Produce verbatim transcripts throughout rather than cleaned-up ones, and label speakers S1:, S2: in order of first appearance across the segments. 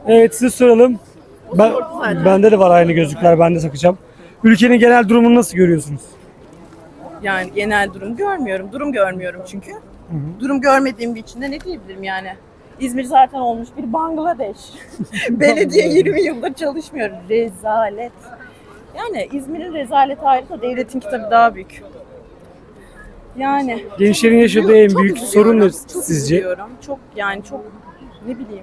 S1: Evet, size soralım. Ben, bende de var aynı gözlükler, ben de takacağım. Ülkenin genel durumunu nasıl görüyorsunuz?
S2: Yani genel durum görmüyorum. Durum görmüyorum çünkü. Hı hı. Durum görmediğim bir içinde ne diyebilirim yani? İzmir zaten olmuş bir Bangladeş. Belediye yirmi yıldır çalışmıyor. Rezalet. Yani İzmir'in rezaleti ayrı da devletin kitabı daha büyük. Yani
S1: Gençlerin yaşadığı en
S2: çok
S1: büyük
S2: üzülüyorum,
S1: sorun ne
S2: çok
S1: sizce?
S2: üzülüyorum. Çok yani çok ne bileyim.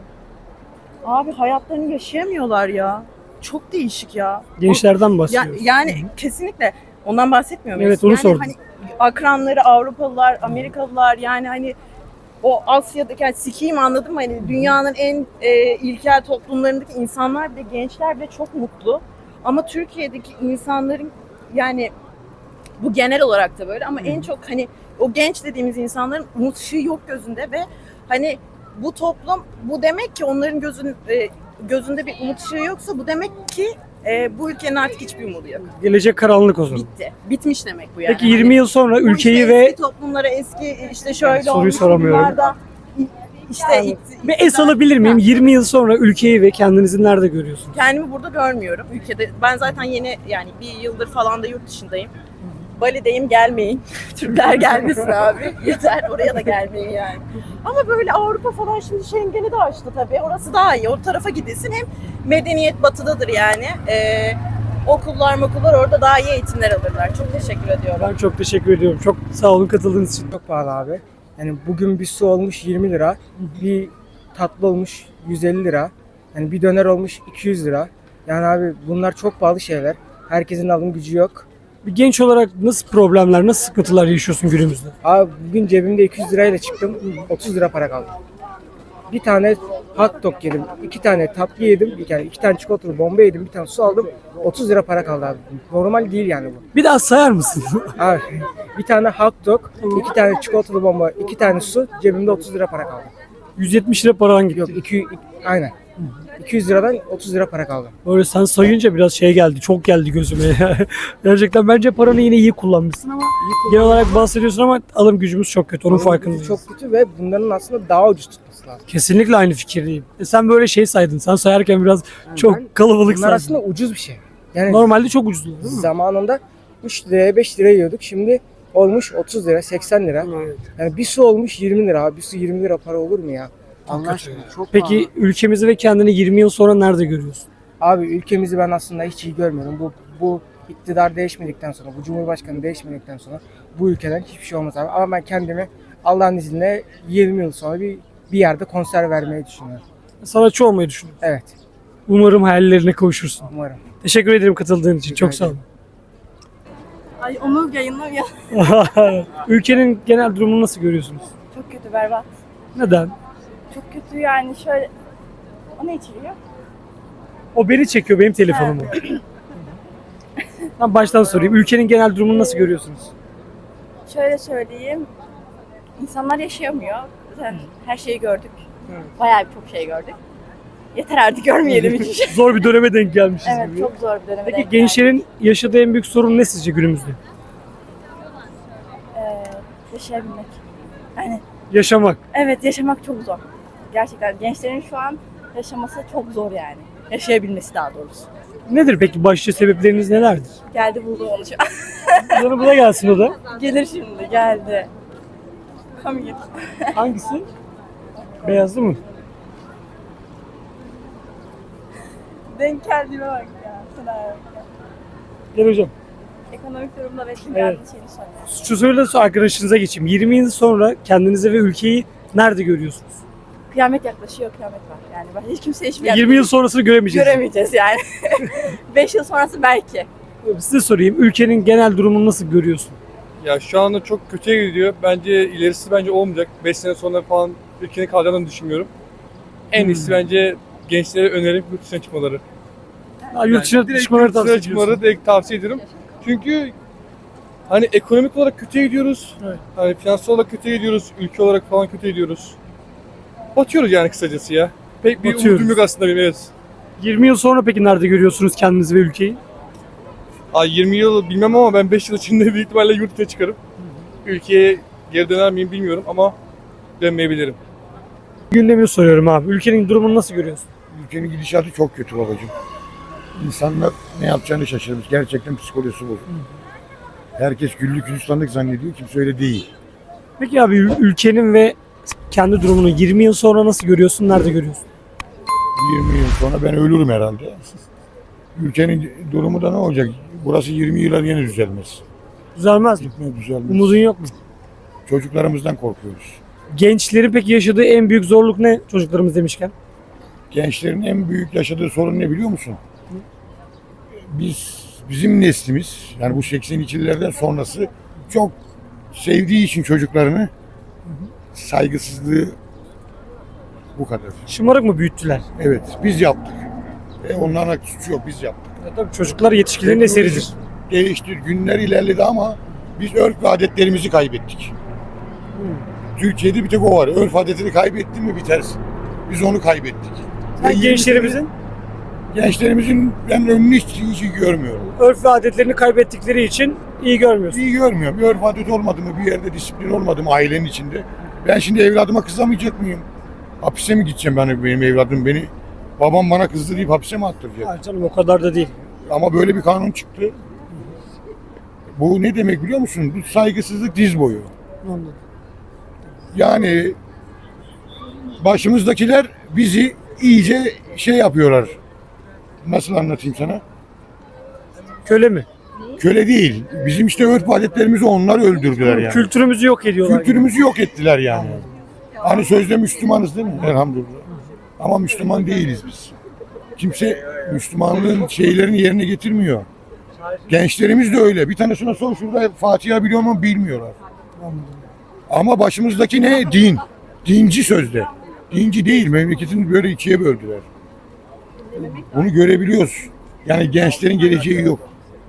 S2: Abi hayatlarını yaşayamıyorlar ya. Çok değişik ya.
S1: Gençlerden
S2: Ya,
S1: bahsediyoruz.
S2: yani kesinlikle ondan bahsetmiyor muyuz?
S1: Evet, onu
S2: yani
S1: sordum.
S2: Hani akranları Avrupalılar, Amerikalılar yani hani o Asya'daki yani sikiyim anladın mı? Hani dünyanın en e, ilkel toplumlarındaki insanlar bile gençler bile çok mutlu. Ama Türkiye'deki insanların yani bu genel olarak da böyle ama en çok hani o genç dediğimiz insanların umut ışığı yok gözünde ve hani bu toplum bu demek ki onların gözün e, gözünde bir umut ışığı yoksa bu demek ki e, bu ülkenin artık hiçbir umudu yok.
S1: Gelecek karanlık o zaman.
S2: Bitti. Bitmiş demek bu yani.
S1: Peki yirmi
S2: Hani
S1: yıl sonra
S2: bu
S1: ülkeyi
S2: işte
S1: ve
S2: eski toplumlara eski işte şöyle
S1: soruyu
S2: olmuş
S1: soramıyorum.
S2: bunlarda işte
S1: Yani, bir es alabilir miyim? yirmi yıl sonra ülkeyi ve kendinizi nerede görüyorsunuz?
S2: Kendimi burada görmüyorum ülkede. Ben zaten yeni yani bir yıldır falan da yurt dışındayım. Bali'deyim gelmeyin. Türkler gelmesin abi. Yeter oraya da gelmeyin yani. Ama böyle Avrupa falan şimdi Schengen'i de açtı tabii. Orası daha iyi. O tarafa gidilsin. Hem medeniyet batıdadır yani. Ee, okullar okullar orada daha iyi eğitimler alırlar. Çok teşekkür ediyorum.
S1: Ben çok teşekkür ediyorum. Çok sağ olun katıldığınız için.
S3: Çok pahalı abi. Yani bugün bir su olmuş yirmi lira, bir tatlı olmuş yüz elli lira, yani bir döner olmuş iki yüz lira. Yani abi bunlar çok pahalı şeyler. Herkesin alım gücü yok.
S1: Bir genç olarak nasıl problemler, nasıl sıkıntılar yaşıyorsun günümüzde?
S3: Abi bugün cebimde iki yüz lirayla çıktım, otuz lira para kaldı. Bir tane hot dog yedim, iki tane tatlı yedim, bir tane iki tane çikolatalı bomba yedim, bir tane su aldım, otuz lira para kaldı abi. Normal değil yani bu.
S1: Bir daha sayar mısın?
S3: Abi bir tane hot dog, iki tane çikolatalı bomba, iki tane su, cebimde otuz lira para kaldı.
S1: yüz yetmiş lira paran gitti.
S3: Yok iki, aynen. iki yüz liradan otuz lira para kaldı.
S1: Böyle sen sayınca biraz şey geldi, çok geldi gözüme. Gerçekten bence paranı yine iyi kullanmışsın ama genel olarak bahsediyorsun ama alım gücümüz çok kötü, onun farkındayız.
S3: Çok kötü ve bunların aslında daha ucuz tutması lazım.
S1: Kesinlikle aynı fikirdeyim. E sen böyle şey saydın, sen sayarken biraz
S3: Yani
S1: çok
S3: ben-
S1: kalabalık
S3: Bunlar
S1: saydın.
S3: aslında ucuz bir şey. Yani
S1: Normalde çok ucuz değil mi?
S3: zamanında üç liraya beş liraya yiyorduk. Şimdi olmuş otuz lira, seksen lira.
S1: Evet.
S3: Yani bir su olmuş yirmi lira. Abi bir su yirmi lira para olur mu ya? Allah
S1: kötü.
S3: aşkına çok
S1: Peki
S3: pahalı.
S1: ülkemizi ve kendini yirmi yıl sonra nerede görüyorsun?
S3: Abi ülkemizi ben aslında hiç iyi görmüyorum. Bu bu iktidar değişmedikten sonra, bu cumhurbaşkanı değişmedikten sonra bu ülkeden hiçbir şey olmaz abi. Ama ben kendimi Allah'ın izniyle yirmi yıl sonra bir bir yerde konser vermeyi düşünüyorum.
S1: Sanatçı olmayı düşünüyorum.
S3: Evet,
S1: Umarım hayallerine kavuşursun.
S3: umarım.
S1: Teşekkür ederim katıldığın için. Çok sağ olun.
S2: Ay onu yayınla ya.
S1: Ülkenin genel durumunu nasıl görüyorsunuz?
S4: Çok kötü, berbat.
S1: Neden?
S4: Çok kötü yani şöyle... O ne içeriyor?
S1: O beni çekiyor, benim telefonumu. Ben baştan sorayım. Ülkenin genel durumunu nasıl görüyorsunuz?
S4: Şöyle söyleyeyim. İnsanlar yaşayamıyor. Zaten her şeyi gördük. Bayağı bir çok şey gördük. Yeter artık görmeyelim hiçbir şey.
S1: Zor bir döneme denk gelmişiz
S4: Evet,
S1: gibi.
S4: çok zor bir döneme
S1: Peki
S4: denk
S1: gençlerin yaşadığı en büyük sorun ne sizce günümüzde?
S4: geldik. Ee, yaşayabilmek. Yani
S1: Yaşamak.
S4: evet, yaşamak çok zor. Gerçekten gençlerin şu an yaşaması çok zor yani. Yaşayabilmesi daha doğrusu.
S1: Nedir peki başlıca sebepleriniz nelerdir?
S4: Geldi buldum onu şu an.
S1: Sana bu da gelsin o da.
S4: Gelir şimdi, geldi. Come here.
S1: Hangisi? Beyazlı mı?
S4: Denk geldiğime bak ya. Sana bak ya.
S1: Gel hocam.
S4: Ekonomik durumda ve şimdi
S1: Evet.
S4: evet. şeyini soruyor.
S1: Şu soruyla sonra arkadaşınıza geçeyim. yirmi yıl sonra kendinizi ve ülkeyi nerede görüyorsunuz?
S4: Kıyamet yaklaşıyor, kıyamet var. Yani ben hiç kimse hiçbir
S1: yirmi yıl sonrasını göremeyeceğiz.
S4: göremeyeceğiz yani. beş yıl sonrası belki.
S1: Size sorayım. Ülkenin genel durumunu nasıl görüyorsun?
S5: Ya şu anda çok kötüye gidiyor. Bence ilerisi bence olmayacak. beş sene sonra falan ülkenin kalacağını düşünmüyorum. En iyisi
S1: Hmm.
S5: bence gençlere önerim yurt dışına çıkmaları.
S1: Ha, yurt dışına
S5: direkt
S1: çıkmaları
S5: yurt dışına
S1: tavsiye
S5: çıkmaları
S1: ediyorsun.
S5: direkt tavsiye ederim. Çünkü hani ekonomik olarak kötüye gidiyoruz.
S1: Evet.
S5: Hani finansal olarak kötüye gidiyoruz. Ülke olarak falan kötüye gidiyoruz. Batıyoruz yani kısacası ya. Pek bir
S1: Batıyoruz.
S5: umudum yok aslında benim, evet.
S1: yirmi yıl sonra peki nerede görüyorsunuz kendinizi ve ülkeyi?
S5: Ay yirmi yıl bilmem ama ben beş yıl içinde büyük ihtimalle yurt dışına çıkarım. Ülkeye geri döner miyim bilmiyorum ama dönmeyebilirim.
S1: Gündemini soruyorum abi. Ülkenin durumunu nasıl görüyorsun?
S6: Ülkenin gidişatı çok kötü babacığım. İnsanlar ne yapacağını şaşırmış. Gerçekten psikolojisi bozuk. Herkes güllük gülistanlık zannediyor. Kimse öyle değil.
S1: Peki abi ül- ülkenin ve kendi durumunu yirmi yıl sonra nasıl görüyorsun? Nerede görüyorsun?
S6: yirmi yıl sonra ben ölürüm herhalde. Ülkenin durumu da ne olacak? Burası yirmi yıla yine düzelmez.
S1: Düzelmez mi?
S6: Gitme düzelmez.
S1: Umudun yok mu?
S6: Çocuklarımızdan korkuyoruz.
S1: Gençlerin peki yaşadığı en büyük zorluk ne çocuklarımız demişken?
S6: Gençlerin en büyük yaşadığı sorun ne biliyor musun? Biz, bizim neslimiz, yani bu seksen ikililerden sonrası çok sevdiği için çocuklarını saygısızlığı bu kadar.
S1: Şımarık mı büyüttüler?
S6: Evet, biz yaptık. E onların suçu yok, biz yaptık.
S1: Ya tabii çocuklar yetişkinlerin eseridir.
S6: Değişti, günler ilerledi ama biz örf ve adetlerimizi kaybettik. Türkiye'de bir tek o var. Örf adetini kaybettin mi bitersin. Biz onu kaybettik.
S1: Sen
S6: Ve yirmi
S1: gençlerimizin
S6: sene- Gençlerimizin ben önünü hiç, hiç iyi görmüyorum.
S1: örf ve adetlerini kaybettikleri için iyi görmüyorsun.
S6: İyi görmüyorum. Bir örf adet olmadı mı, bir yerde disiplin olmadı mı ailenin içinde? Ben şimdi evladıma kızamayacak mıyım? Hapise mi gideceğim ben, benim evladım beni? Babam bana kızdı deyip hapise mi attıracak?
S1: Hayır canım o kadar da değil.
S6: Ama böyle bir kanun çıktı. Bu ne demek biliyor musun? Bu saygısızlık diz boyu.
S1: Anladım.
S6: Yani başımızdakiler bizi iyice şey yapıyorlar. Nasıl anlatayım sana?
S1: Köle mi?
S6: Köle değil. Bizim işte örf adetlerimizi onlar öldürdüler yani.
S1: Kültürümüzü yok ediyorlar.
S6: Kültürümüzü yok ettiler yani. Hani sözde Müslümanız değil mi? Elhamdülillah. Ama Müslüman değiliz biz. Kimse Müslümanlığın şeylerini yerine getirmiyor. Gençlerimiz de öyle. Bir tanesine sor şurada Fatiha biliyor mu bilmiyorlar. Ama başımızdaki ne? Din. Dinci sözde. Dinci değil. Memleketini böyle ikiye böldüler. Bunu görebiliyoruz. Yani gençlerin geleceği yok.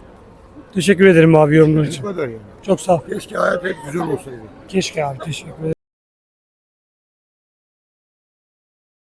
S1: Teşekkür ederim abi yorumlar için.
S6: Bu kadar yani.
S1: Çok sağ ol.
S6: Keşke hayat hep güzel olsaydı.
S1: Keşke abi teşekkür ederim.